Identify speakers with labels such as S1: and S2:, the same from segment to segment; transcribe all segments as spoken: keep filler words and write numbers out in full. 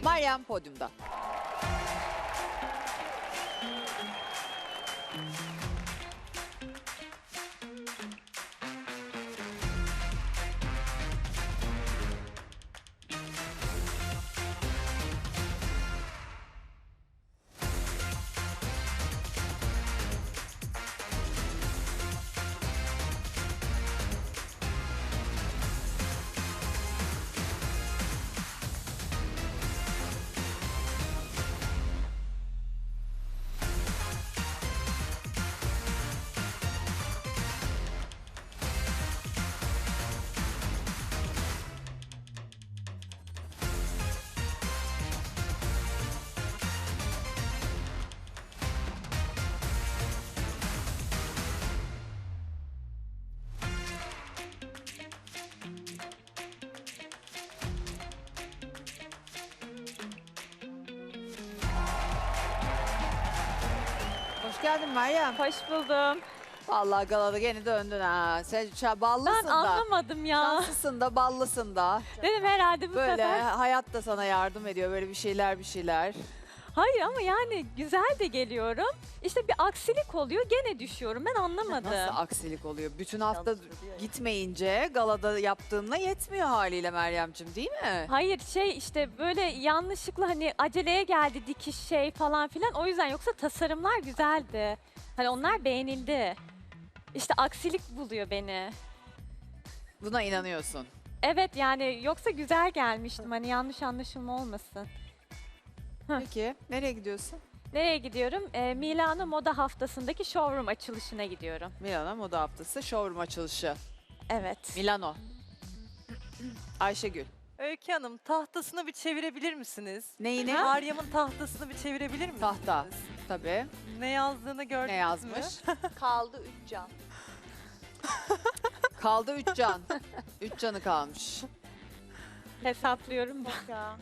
S1: Meryem podyumda. Hoş geldin Meryem.
S2: Hoş buldum.
S1: Vallahi galada gene döndün ha. Sen ça- ballısın
S2: Ben
S1: da.
S2: anlamadım ya.
S1: Şanslısın da, ballısın da.
S2: Dedim herhalde bu
S1: Böyle
S2: sefer.
S1: hayat da sana yardım ediyor. Böyle bir şeyler bir şeyler.
S2: Hayır ama yani güzel de geliyorum. İşte bir aksilik oluyor gene düşüyorum. Ben anlamadım.
S1: Nasıl aksilik oluyor? Bütün hafta gitmeyince galada yaptığınla yetmiyor haliyle Meryem'cim, değil mi?
S2: Hayır şey işte böyle yanlışlıkla hani aceleye geldi dikiş şey falan filan. O yüzden yoksa tasarımlar güzeldi. Hani onlar beğenildi. İşte aksilik buluyor beni.
S1: Buna inanıyorsun.
S2: Evet yani yoksa güzel gelmiştim. Hani yanlış anlaşılma olmasın. Hı.
S1: Peki nereye gidiyorsun?
S2: Nereye gidiyorum? Ee, Milano Moda Haftası'ndaki showroom açılışına gidiyorum.
S1: Milano Moda Haftası showroom açılışı.
S2: Evet.
S1: Milano. Ayşegül.
S3: Öykü Hanım tahtasını bir çevirebilir misiniz?
S1: Neyini?
S3: Meryem'in tahtasını bir çevirebilir misiniz?
S1: Tahta. Tabii.
S3: Ne yazdığını gördünüz
S1: Ne yazmış?
S3: mü?
S4: Kaldı üç can.
S1: Kaldı üç can. Üç canı kalmış.
S2: Hesaplıyorum da.
S4: Ya.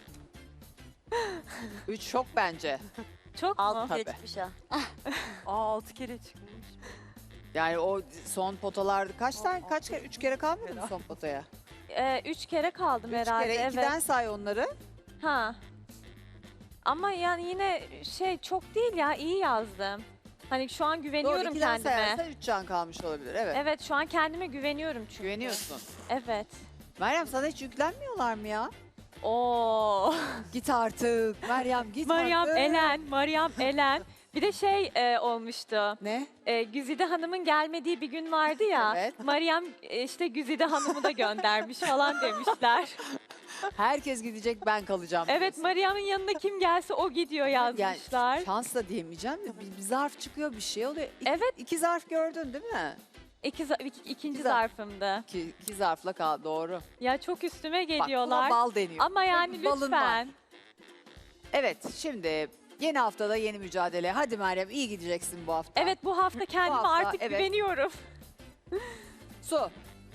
S1: Üç şok bence.
S2: Çok mu?
S4: Altı kere
S1: Tabii.
S4: çıkmış ha.
S3: Aa altı kere çıkmış.
S1: Yani o son potalarda kaç tane, kaç kere, üç kere kalmadı mı son potaya?
S2: Ee, üç kere kaldım
S1: Üç
S2: herhalde.
S1: kere,
S2: evet.
S1: ikiden say onları.
S2: Ha. Ama yani yine şey çok değil ya iyi yazdım. Hani şu an
S1: Doğru,
S2: güveniyorum
S1: ikiden
S2: kendime.
S1: sayarsan üç can kalmış olabilir. Evet.
S2: Evet şu an kendime güveniyorum çünkü.
S1: Güveniyorsun.
S2: Evet.
S1: Meryem sana hiç yüklenmiyorlar mı ya?
S2: Oo.
S1: Git artık. Meryem git
S2: Meryem
S1: artık.
S2: Elen, Meryem Elen. Bir de şey e, olmuştu.
S1: Ne?
S2: E, Güzide Hanım'ın gelmediği bir gün vardı ya.
S1: Evet.
S2: Meryem e, işte Güzide Hanım'ı da göndermiş falan demişler.
S1: Herkes gidecek, ben kalacağım.
S2: Evet
S1: diyorsun.
S2: Meryem'in yanına kim gelse o gidiyor yazmışlar.
S1: Yani şans da diyemeyeceğim de bir, bir zarf çıkıyor, bir şey oluyor. İki,
S2: Evet.
S1: iki zarf gördün değil mi?
S2: İki, za- iki- ikinci
S1: İki zarf.
S2: zarfımdı.
S1: İki, iki zarfla kal, doğru.
S2: Ya çok üstüme
S1: Bak
S2: geliyorlar.
S1: buna bal deniyor.
S2: Ama yani
S1: Çünkü balın var.
S2: lütfen.
S1: Evet, şimdi yeni haftada yeni mücadele. Hadi Meryem, iyi gideceksin bu hafta.
S2: Evet bu hafta kendime
S1: hafta,
S2: artık
S1: evet.
S2: güveniyorum.
S1: Su.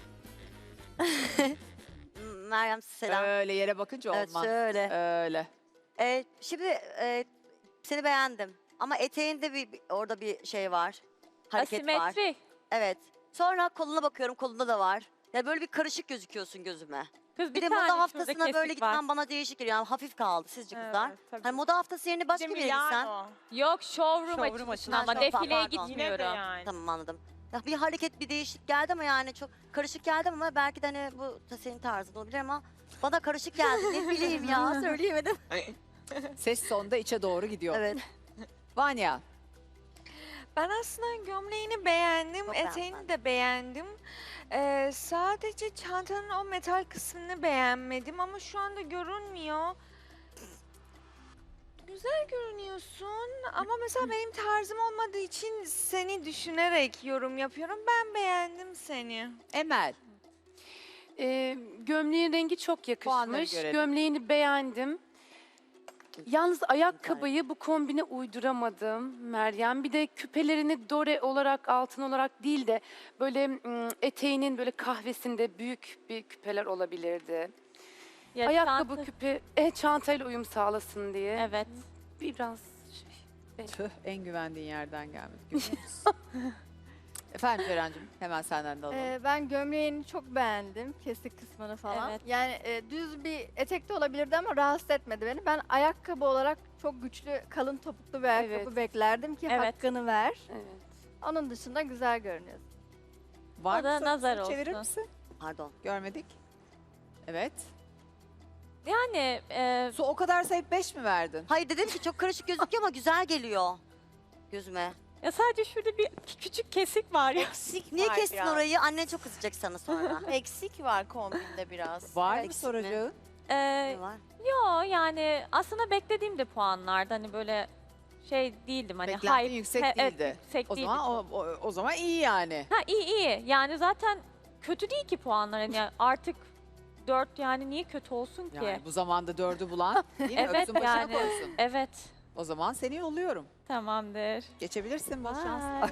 S4: Meryem selam.
S1: Öyle yere bakınca
S4: Evet
S1: olmaz.
S4: şöyle.
S1: Öyle.
S4: Ee, şimdi e, seni beğendim. Ama eteğinde bir, bir- orada bir şey var. Hareket var.
S2: Asimetri.
S4: Evet. Sonra koluna bakıyorum, kolunda da var. Ya böyle bir karışık gözüküyorsun gözüme.
S2: Kız
S4: Bir, de
S2: tane
S4: moda
S2: şurada
S4: haftasına böyle
S2: kesik var.
S4: gitmen bana değişik geliyor. Yani hafif kaldı sizce kızlar.
S3: Evet, tabii.
S4: Hani moda haftası yerine başka bir yere gitsen.
S2: Yok showroom,
S3: Showroom
S2: açılışına
S3: açılışına.
S2: ama
S4: Ha,
S2: defileye
S4: pardon.
S2: gitmiyorum.
S4: Tamam anladım. Ya bir hareket bir değişik geldi ama yani çok karışık geldi ama belki de hani bu da senin tarzın olabilir ama bana karışık geldi. Ne bileyim ya söyleyemedim.
S1: Ses sonda içe doğru gidiyor.
S4: Evet.
S1: Vanya.
S5: Ben aslında gömleğini beğendim,
S4: Çok
S5: eteğini
S4: beğendim.
S5: de beğendim. Ee, sadece çantanın o metal kısmını beğenmedim ama şu anda görünmüyor. Güzel görünüyorsun ama mesela benim tarzım olmadığı için seni düşünerek yorum yapıyorum. Ben beğendim seni.
S1: Emel.
S6: Ee, gömleğin rengi çok
S1: Puanları
S6: yakışmış.
S1: görelim.
S6: Gömleğini beğendim. Yalnız ayakkabıyı bu kombine uyduramadım Meryem. Bir de küpelerini dore olarak, altın olarak değil de böyle mm, eteğinin böyle kahvesinde büyük bir küpeler olabilirdi.
S2: Ya
S6: Ayakkabı
S2: çanta-
S6: küpe, e, çantayla uyum sağlasın diye.
S2: Evet.
S6: Biraz şey.
S1: Tüh, en güvendiğin yerden gelmedi. Görüyor musun? Efendim Ceren'cim hemen senden de alalım.
S7: Ee, ben gömleğini çok beğendim. Kesik kısmını falan.
S2: Evet.
S7: Yani e, düz bir etek de olabilirdi ama rahatsız etmedi beni. Ben ayakkabı olarak çok güçlü, kalın topuklu bir ayakkabı
S6: Evet.
S7: beklerdim ki
S2: Evet.
S7: hakkını ver.
S6: Evet.
S7: Onun dışında güzel görünüyor.
S1: Var
S2: o da
S1: mı
S2: nazar
S1: sorusunu çevirir
S2: olsun.
S1: misin?
S4: Pardon.
S1: Görmedik. Evet.
S2: Yani e,
S1: Su o kadar sayıp beş mi verdin?
S4: Hayır dedim ki çok karışık gözüküyor ama güzel geliyor gözüme.
S2: ya sadece şurada bir küçük kesik var ya.
S8: Eksik
S4: Niye
S8: var
S4: kestin
S8: biraz.
S4: orayı? Annen çok kızacak sana sonra.
S8: Eksik var kombinde biraz.
S1: Var mı
S4: eksik mi?
S1: soracağın?
S2: E,
S4: Ne var?
S2: yo yani aslında beklediğim de puanlardı. Hani böyle şey değildim hani
S1: Beklentin
S2: hype.
S1: yüksek
S2: He, evet,
S1: değildi.
S2: yüksek
S1: O
S2: değildi.
S1: zaman o, o, o zaman iyi yani.
S2: Ha iyi iyi. Yani zaten kötü değil ki puanlar. Yani artık dört yani niye kötü olsun ki?
S1: Yani bu zamanda dördü bulan değil mi?
S2: Evet,
S1: Öpsün başına
S2: yani.
S1: koysun.
S2: Evet.
S1: O zaman seni yolluyorum.
S2: Tamamdır.
S1: Geçebilirsin. Bol şans.
S2: Bye.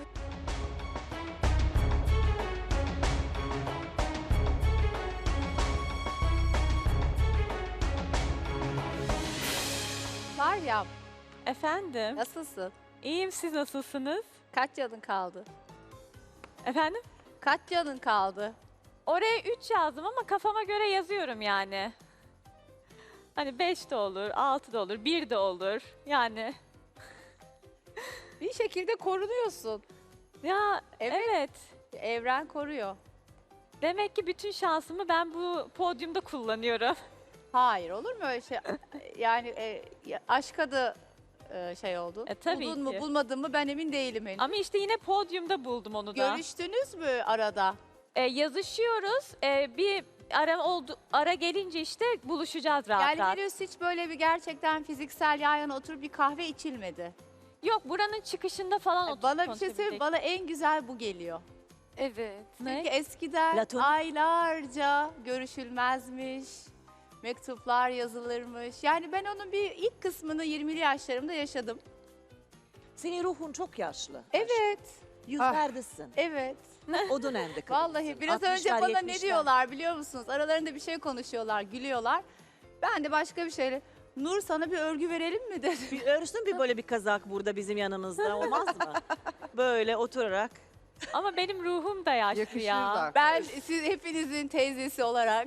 S9: Meryem,
S2: Efendim.
S9: nasılsın?
S2: İyiyim, siz nasılsınız?
S9: Kaç canın kaldı?
S2: Efendim?
S9: Kaç canın kaldı?
S2: Oraya üç yazdım ama kafama göre yazıyorum yani. Hani beş de olur, altı da olur, bir de olur. Yani
S9: Bir şekilde korunuyorsun.
S2: ya
S9: Evet.
S2: evet.
S9: Evren koruyor.
S2: Demek ki bütün şansımı ben bu podyumda kullanıyorum.
S9: Hayır, olur mu öyle şey? Yani e, ya- aşka da e, şey oldu.
S2: E, tabii
S9: Buldun mu
S2: ki.
S9: bulmadın mı ben emin değilim henüz.
S2: Ama işte yine podyumda buldum onu da.
S9: Görüştünüz mü arada?
S2: E, yazışıyoruz. E, bir ara oldu, ara gelince işte buluşacağız rahat
S9: Yani
S2: rahat.
S9: henüz hiç böyle bir gerçekten fiziksel yan yana oturup bir kahve içilmedi.
S2: Yok buranın çıkışında falan oturup
S9: Bana bir şey söyleyeyim,
S2: konuşabilecek.
S9: bana en güzel bu geliyor.
S6: Evet.
S2: Ne?
S9: Çünkü eskiden
S8: Platonik.
S9: aylarca görüşülmezmiş, mektuplar yazılırmış. Yani ben onun bir ilk kısmını yirmili yaşlarımda yaşadım.
S8: Senin ruhun çok yaşlı.
S9: Evet,
S8: Yüzlerdesin.
S9: evet.
S8: O dönemde kadınsın.
S9: Vallahi biraz önce
S8: altmışlar,
S9: bana ne
S8: yetmişler.
S9: diyorlar biliyor musunuz? Aralarında bir şey konuşuyorlar, gülüyorlar. Ben de başka bir şeyle, Nur sana bir örgü verelim mi dedim.
S8: Bir örsün bir böyle bir kazak burada bizim yanımızda olmaz mı? Böyle oturarak.
S2: Ama benim ruhum da yaşlı
S1: Yakışır
S2: ya.
S1: da.
S9: Ben siz hepinizin teyzesi olarak.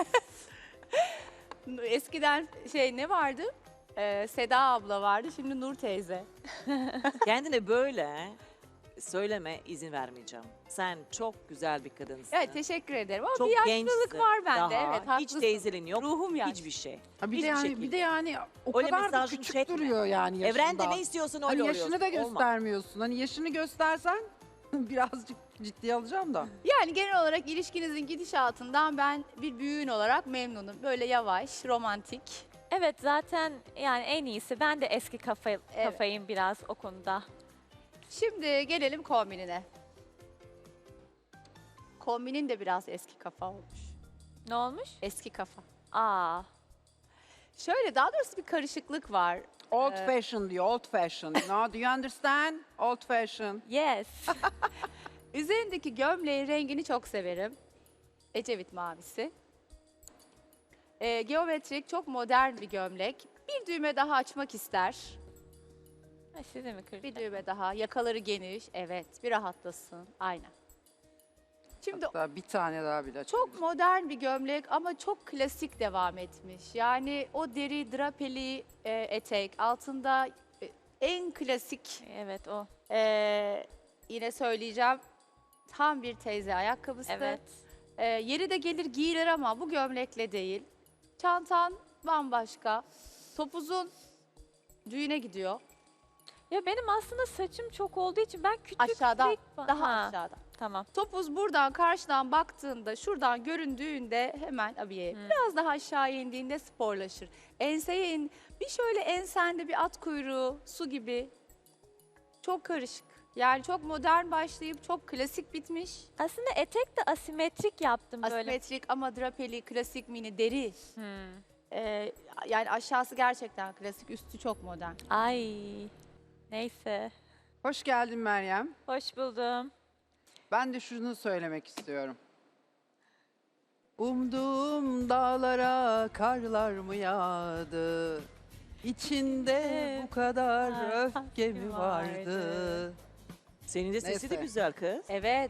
S9: Eskiden şey ne vardı? Ee, Seda abla vardı, şimdi Nur teyze.
S8: Kendine böyle söyleme izin vermeyeceğim. Sen çok güzel bir kadınsın.
S9: Evet, teşekkür ederim ama
S8: Çok
S9: bir yaşlılık
S8: gençsin
S9: var bende.
S8: daha.
S9: Evet,
S8: Hiç
S9: haklısın.
S8: teyzeliğin yok.
S9: Ruhum yaşlı.
S8: Hiçbir şey.
S10: Ha bir de
S8: Hiçbir
S10: yani
S8: şekilde.
S10: bir de yani o
S8: Öyle
S10: kadar da
S8: mesajını
S10: küçük
S8: çekme.
S10: duruyor yani yaşında.
S8: Evrende ne istiyorsun öyle
S10: Hani
S8: oluyorsun.
S10: yaşını da
S8: Olmaz.
S10: göstermiyorsun. Hani yaşını göstersen birazcık ciddiye alacağım da.
S9: Yani genel olarak ilişkinizin gidişatından ben bir büyüğün olarak memnunum. Böyle yavaş, romantik.
S2: Evet zaten yani en iyisi. Ben de eski kafa,
S9: Evet.
S2: kafayım biraz o konuda.
S9: Şimdi gelelim kombinine. Kombinin de biraz eski kafa olmuş.
S2: Ne olmuş?
S9: Eski kafa.
S2: Aa.
S9: Şöyle daha doğrusu bir karışıklık var.
S10: Old
S9: Ee,
S10: fashion diyor, old fashion. No, do you understand? Old fashion.
S2: Yes.
S9: Üzerindeki gömleğin rengini çok severim. Ecevit mavisi. Ee, geometrik, çok modern bir gömlek. Bir düğme daha açmak ister.
S2: Ha, size mi kırdı?
S9: Bir düğme daha. Yakaları geniş. Evet, bir rahatlasın. Aynen. Şimdi
S10: Hatta bir tane daha bile.
S9: çok modern bir gömlek ama çok klasik devam etmiş. Yani o deri drapeli e, etek, altında e, en klasik,
S2: Evet o.
S9: e, yine söyleyeceğim, tam bir teyze ayakkabısı.
S2: Evet.
S9: E, yeri de gelir giyilir ama bu gömlekle değil. Çantan bambaşka. Topuzun düğüne gidiyor.
S2: Ya benim aslında saçım çok olduğu için ben küçük
S9: Aşağıdan,
S2: tek-
S9: daha
S2: Ha,
S9: aşağıdan.
S2: Tamam.
S9: Topuz buradan karşıdan baktığında, şuradan göründüğünde hemen abiye
S2: Hmm.
S9: biraz daha aşağı indiğinde sporlaşır. Enseye in, bir şöyle ensende bir at kuyruğu, su gibi. Çok karışık. Yani çok modern başlayıp çok klasik bitmiş.
S2: Aslında etek de asimetrik yaptım böyle.
S9: Asimetrik ama drapeli, klasik mini, deri.
S2: Hmm.
S9: Ee, yani aşağısı gerçekten klasik, üstü çok modern.
S2: Ay. Neyse.
S10: Hoş geldin Meryem.
S2: Hoş buldum.
S10: Ben de şunu söylemek istiyorum. Umduğum dağlara karlar mı yağdı? İçinde bu kadar öfke mi vardı?
S8: Senin de sesi de
S10: Neyse.
S8: güzel kız.
S9: Evet.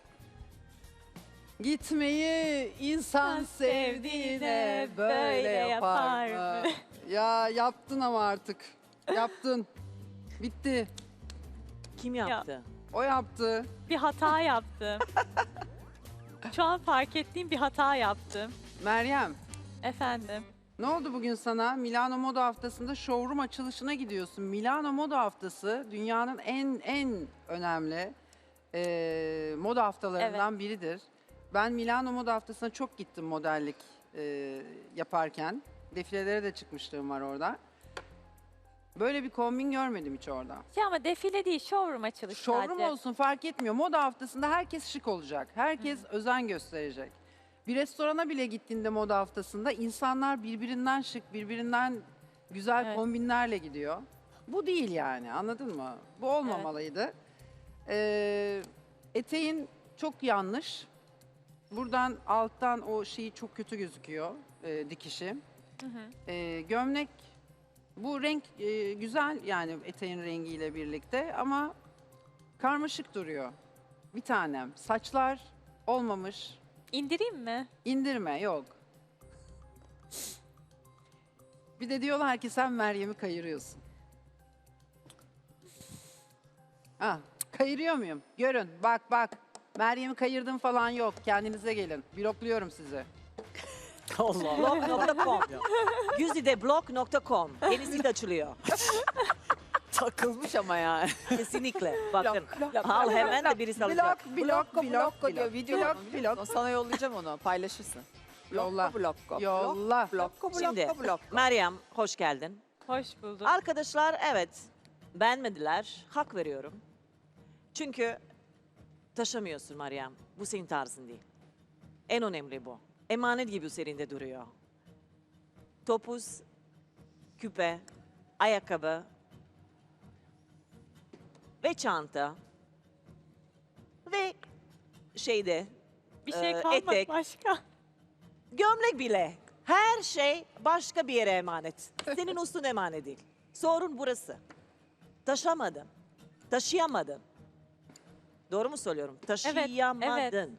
S10: Gitmeyi insan sevdiğine böyle yapar mı? Ya yaptın ama artık. Yaptın. Bitti.
S8: Kim yaptı?
S10: O yaptı.
S2: Bir hata yaptım. Şu an fark ettiğim bir hata yaptım.
S10: Meryem,
S2: Efendim.
S10: ne oldu bugün sana? Milano Moda Haftası'nda showroom açılışına gidiyorsun. Milano Moda Haftası dünyanın en en önemli eee, moda haftalarından biridir. Ben Milano Moda Haftası'na çok gittim modellik eee, yaparken. Defilelere de çıkmışlığım var orada. Böyle bir kombin görmedim hiç orada.
S2: Şey ama defile değil, showroom açılışı
S10: Showroom
S2: sadece.
S10: olsun fark etmiyor. Moda haftasında herkes şık olacak. Herkes özen gösterecek. Bir restorana bile gittiğinde moda haftasında insanlar birbirinden şık, birbirinden güzel
S2: Evet.
S10: kombinlerle gidiyor. Bu değil yani, anladın mı? Bu olmamalıydı. Ee, eteğin çok yanlış. Buradan alttan o şeyi çok kötü gözüküyor, e, dikişi.
S2: Hı hı.
S10: Ee, gömlek, bu renk e, güzel yani eteğin rengiyle birlikte ama karmaşık duruyor. Bir tanem. Saçlar olmamış.
S2: İndireyim mi?
S10: İndirme yok. Bir de diyorlar ki sen Meryem'i kayırıyorsun. Ha, kayırıyor muyum? Görün bak bak. Meryem'i kayırdım falan yok. Kendinize gelin. Blokluyorum sizi.
S8: Allah Allah. blog nokta com. Güzide blog nokta com. Yeni sit açılıyor.
S1: Takılmış ama yani.
S8: Kesinlikle. Bakın.
S1: Blok, blok,
S8: Al
S1: blok,
S8: hemen
S1: blok.
S8: de birisi alacak.
S10: Blok, blok,
S1: Blokko,
S10: blok,
S1: blokko diyor.
S10: blok,
S1: Video
S10: blok,
S1: var, biliyor musun? Sana yollayacağım onu. Paylaşırsın.
S10: Yolla.
S1: Blokko, blokko.
S10: Yolla.
S1: Blokko, blokko,
S8: Şimdi
S1: blokko.
S8: Meryem hoş geldin.
S2: Hoş buldum.
S8: Arkadaşlar evet beğenmediler. Hak veriyorum. Çünkü taşımıyorsun Meryem. Bu senin tarzın değil. En önemli bu. Emanet gibi üzerinde duruyor. Topuz, küpe, ayakkabı ve çanta ve şeyde
S2: Bir şey
S8: e,
S2: kalmadı
S8: etek.
S2: başka.
S8: gömlek bile. Her şey başka bir yere emanet. Senin üstün emanet değil. Sorun burası. Taşımadın. Taşıyamadın. Doğru mu söylüyorum? Taşıyamadın.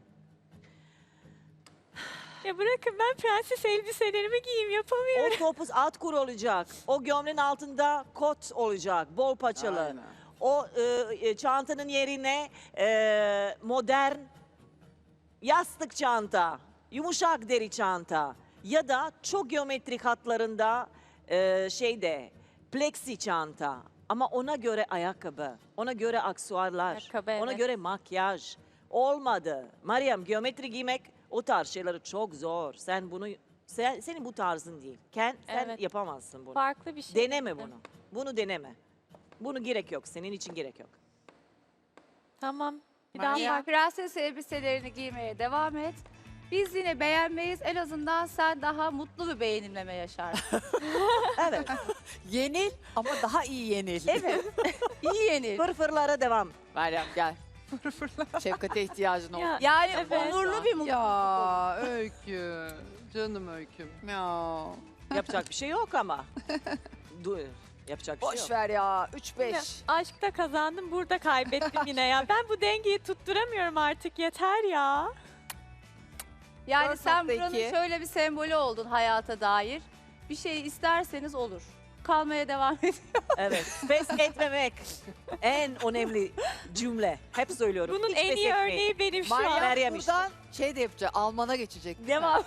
S2: Ya bırakın ben prenses elbiselerimi giyeyim yapamıyorum.
S8: O topuz alt kur olacak. O gömleğin altında kot olacak. Bol paçalı.
S10: Aynen.
S8: O e, e, çantanın yerine e, modern yastık çanta, yumuşak deri çanta ya da çok geometrik hatlarında e, şeyde plexi çanta. Ama ona göre ayakkabı, ona göre aksesuarlar,
S2: Ayakkabı,
S8: ona
S2: evet.
S8: göre makyaj. Olmadı. Meryem geometri giymek o tarz şeyleri çok zor. Sen bunu sen, senin bu tarzın değil. Sen, sen
S2: Evet.
S8: yapamazsın bunu.
S2: Farklı bir şey.
S8: Deneme
S2: dedim.
S8: bunu. Bunu deneme. Bunu gerek yok. Senin için gerek yok.
S2: Tamam. Bir
S10: Meryem.
S2: daha
S9: Ya,
S2: fark.
S9: prenses elbiselerini giymeye devam et. Biz yine beğenmeyiz. En azından sen daha mutlu bir beğenimleme yaşarsın.
S8: Evet.
S1: Yenil ama daha iyi yenil.
S9: Evet. İyi yenil.
S8: Fırfırlara devam.
S1: Meryem gel. Şefkate ihtiyacın oldu.
S2: Ya,
S9: Yani
S2: Evet.
S9: onurlu bir mutluluk.
S10: Ya Öykü. Canım Öyküm.
S1: Ya.
S8: Yapacak bir şey yok ama. Dur. Yapacak bir şey
S1: Boş
S8: yok.
S1: ver ya. üç
S2: Ya,
S1: beş.
S2: aşkta kazandım, burada kaybettim yine ya. Ben bu dengeyi tutturamıyorum artık, yeter ya.
S9: Yani
S1: dört
S9: sen
S1: nokta
S9: buranın
S1: iki.
S9: şöyle bir sembolü oldun hayata dair. Bir şey isterseniz olur. Kalmaya devam et.
S8: Evet. Pes etmemek. En önemli cümle. Hep söylüyorum.
S2: Bunun
S8: Hiç
S2: en
S8: pes
S2: iyi
S8: etmeyin.
S2: örneği benim şu
S1: Meryem
S2: an.
S8: Meryem işte.
S1: buradan şey de yapacak. Alman'a geçecek.
S8: Devam.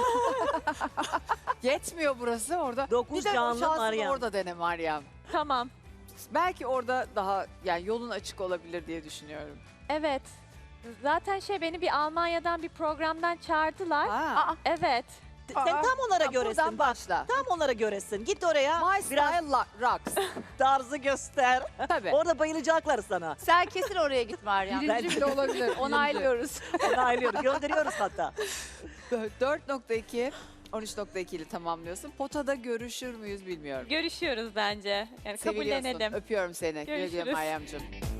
S1: Yetmiyor burası orada.
S8: Dokuz
S1: bir de o
S8: canlı
S1: şansını
S8: Meryem.
S1: orada dene Meryem.
S2: Tamam.
S1: Belki orada daha yani yolun açık olabilir diye düşünüyorum.
S2: Evet. Zaten şey beni bir Almanya'dan bir programdan çağırdılar.
S1: Ha.
S2: Evet.
S8: Sen tam onlara
S1: Ha,
S8: göresin.
S1: buradan
S8: Bak.
S1: başla.
S8: Tam onlara göresin. Git oraya.
S1: My
S8: Biraz
S1: style la- rocks.
S8: tarzı göster.
S1: Tabii.
S8: Orada bayılacaklar sana.
S9: Sen kesin oraya git Meryem.
S10: Birinci bile olabilir. birinci.
S9: Onaylıyoruz.
S8: Onaylıyoruz. Gönderiyoruz hatta.
S1: dört nokta iki, on üç nokta iki ile tamamlıyorsun. Potada görüşür müyüz bilmiyorum.
S2: Görüşüyoruz bence. Yani
S1: Seviliyorsun.
S2: kabullenelim.
S1: Öpüyorum seni. Güle güle
S2: Görüşürüz.
S1: Meryemciğim.